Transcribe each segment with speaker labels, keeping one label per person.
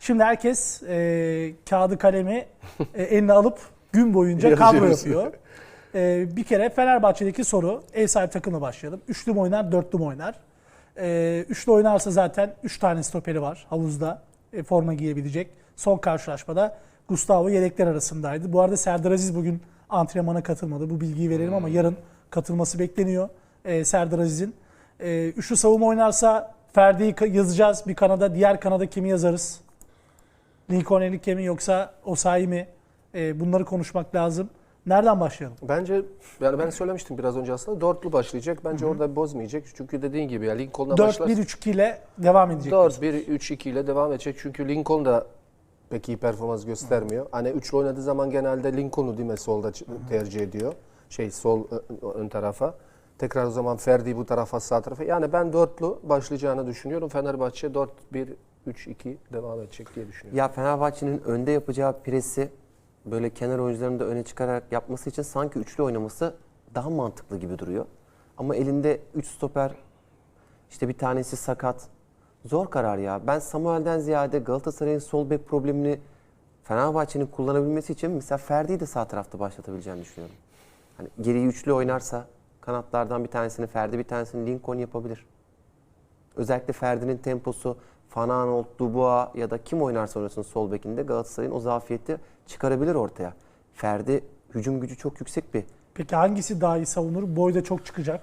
Speaker 1: Şimdi herkes kağıdı kalemi eline alıp gün boyunca kadro yapıyor. Bir kere Fenerbahçe'deki soru, ev sahibi takımla başlayalım. Üçlü mü oynar, dörtlü mü oynar? Üçlü oynarsa zaten 3 tane stoperi var havuzda. Forma giyebilecek. Son karşılaşmada Gustavo yedekler arasındaydı. Bu arada Serdar Aziz bugün antrenmana katılmadı. Bu bilgiyi verelim ama yarın katılması bekleniyor Serdar Aziz'in. Üçlü savunma oynarsa Ferdi'yi yazacağız bir kanada. Diğer kanada kimi yazarız? Lincoln Enrique mi yoksa Osayi mi? Bunları konuşmak lazım. Nereden başlayalım?
Speaker 2: Bence yani ben söylemiştim biraz önce aslında dörtlü başlayacak. Bence orada bozmayacak. Çünkü dediğin gibi ya Lincoln'la başlar.
Speaker 1: 4-1-3-2 ile devam edecek.
Speaker 2: 4-1-3-2 ile devam edecek. Çünkü Lincoln da pek iyi performans göstermiyor. Hani üçlü oynadığı zaman genelde Lincoln'u değil mi solda tercih ediyor. Sol ön tarafa. Tekrar o zaman Ferdi bu tarafa sağ tarafa. Yani ben dörtlü başlayacağını düşünüyorum. Fenerbahçe 4-1-3-2 devam edecek diye düşünüyorum.
Speaker 3: Ya Fenerbahçe'nin önde yapacağı presi böyle kenar oyuncularını da öne çıkararak yapması için sanki üçlü oynaması daha mantıklı gibi duruyor. Ama elinde 3 stoper, işte bir tanesi sakat. Zor karar ya. Ben Samuel'den ziyade Galatasaray'ın sol bek problemini Fenerbahçe'nin kullanabilmesi için mesela Ferdi'yi de sağ tarafta başlatabileceğini düşünüyorum. Hani geriyi üçlü oynarsa kanatlardan bir tanesini Ferdi, bir tanesini Lincoln yapabilir. Özellikle Ferdi'nin temposu, Fanaanolt, Dubois ya da kim oynarsa oynasın sol bekinde Galatasaray'ın o zafiyeti çıkarabilir ortaya. Ferdi hücum gücü çok yüksek bir.
Speaker 1: Peki hangisi daha iyi savunur? Boy da çok çıkacak.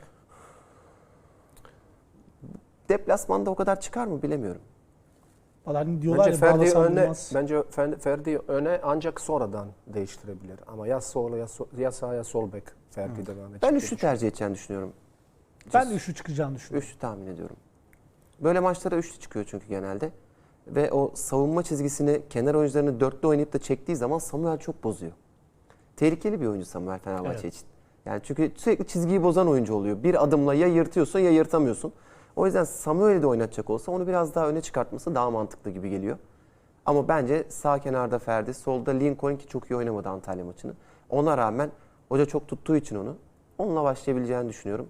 Speaker 3: Deplasmanda o kadar çıkar mı bilemiyorum.
Speaker 1: Falan diyorlar
Speaker 2: Bence
Speaker 1: ya,
Speaker 2: Ferdi
Speaker 1: bağlasam
Speaker 2: öne,
Speaker 1: olmaz.
Speaker 2: bence Ferdi öne ancak sonradan değiştirebilir. Ama ya sol ya sağ ya sol bek Ferdi devam edecek.
Speaker 3: Ben üçlü tercih edeceğini düşünüyorum.
Speaker 1: Ben de üçlü çıkacağını düşünüyorum.
Speaker 3: Üçlü tahmin ediyorum. Böyle maçlara üçlü çıkıyor çünkü genelde. Ve o savunma çizgisini kenar oyuncularını dörtlü oynayıp da çektiği zaman Samuel çok bozuyor. Tehlikeli bir oyuncu Samuel Fenerbahçe için. Yani çünkü sürekli çizgiyi bozan oyuncu oluyor. Bir adımla ya yırtıyorsun ya yırtamıyorsun. O yüzden Samuel'i de oynatacak olsa onu biraz daha öne çıkartması daha mantıklı gibi geliyor. Ama bence sağ kenarda Ferdi, solda Lincoln ki çok iyi oynamadı Antalya maçını. Ona rağmen hoca çok tuttuğu için onunla başlayabileceğini düşünüyorum.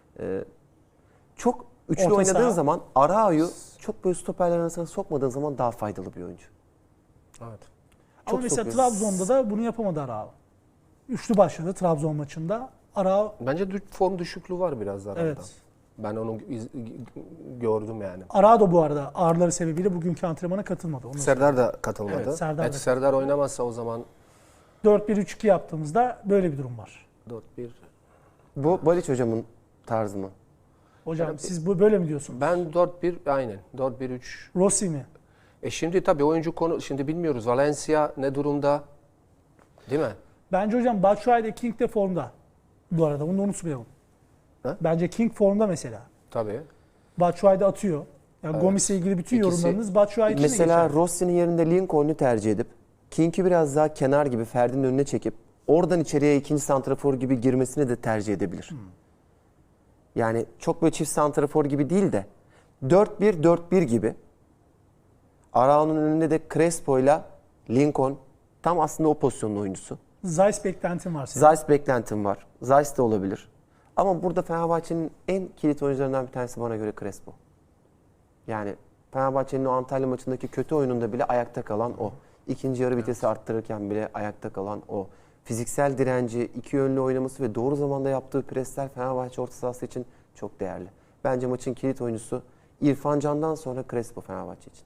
Speaker 3: Çok üçlü
Speaker 1: Orta
Speaker 3: oynadığın
Speaker 1: saha.
Speaker 3: zaman Arao'yu çok böyle stoperler arasına sokmadığın zaman daha faydalı bir oyuncu.
Speaker 2: Evet.
Speaker 1: Ama mesela
Speaker 3: sokuyor.
Speaker 1: Trabzon'da da bunu yapamadı Arao. Üçlü başladı Trabzon maçında. Arao,
Speaker 2: Bence form düşüklüğü var biraz arada.
Speaker 1: evet.
Speaker 2: Ben onu gördüm yani.
Speaker 1: Arao da bu arada ağrıları sebebiyle bugünkü antrenmana katılmadı. Onu
Speaker 2: Serdar da katılmadı.
Speaker 1: Evet, Serdar da
Speaker 2: Serdar oynamazsa o zaman
Speaker 1: 4-1-3-2 yaptığımızda böyle bir durum var.
Speaker 2: 4-1.
Speaker 3: Bu Baliç hocamın tarzı mı?
Speaker 1: Hocam siz bu böyle mi diyorsunuz?
Speaker 2: Ben 4-1 aynen. 4-1-3.
Speaker 1: Rossi mi?
Speaker 2: Şimdi tabii oyuncu şimdi bilmiyoruz. Valencia ne durumda? Değil mi?
Speaker 1: Bence hocam Batshuayi de King de formda. Bu arada bunu unutmayalım.
Speaker 2: Ha?
Speaker 1: Bence King formda mesela.
Speaker 2: Tabii.
Speaker 1: Batshuayi de atıyor. Yani
Speaker 2: Evet.
Speaker 1: Gomis'le ilgili bütün
Speaker 2: İkisi-
Speaker 1: yorumlarınız Batshuayi için de
Speaker 3: Mesela
Speaker 1: geçerli.
Speaker 3: Rossi'nin yerinde Lincoln'u tercih edip King'i biraz daha kenar gibi Ferdi'nin önüne çekip oradan içeriye ikinci santrafor gibi girmesini de tercih edebilir. Yani çok böyle çift santrafor gibi değil de 4-1-4-1 gibi. Arao'nun önünde de Crespo'yla Lincoln tam aslında o pozisyonun oyuncusu.
Speaker 1: Zeiss beklentim var senin.
Speaker 3: Zeiss beklentim var. Zeiss de olabilir. Ama burada Fenerbahçe'nin en kilit oyuncularından bir tanesi bana göre Crespo. Yani Fenerbahçe'nin o Antalya maçındaki kötü oyununda bile ayakta kalan o. İkinci yarı vitesi arttırırken bile ayakta kalan o. Fiziksel direnci, iki yönlü oynaması ve doğru zamanda yaptığı presler Fenerbahçe orta sahası için çok değerli. Bence maçın kilit oyuncusu İrfan Can'dan sonra Crespo Fenerbahçe için.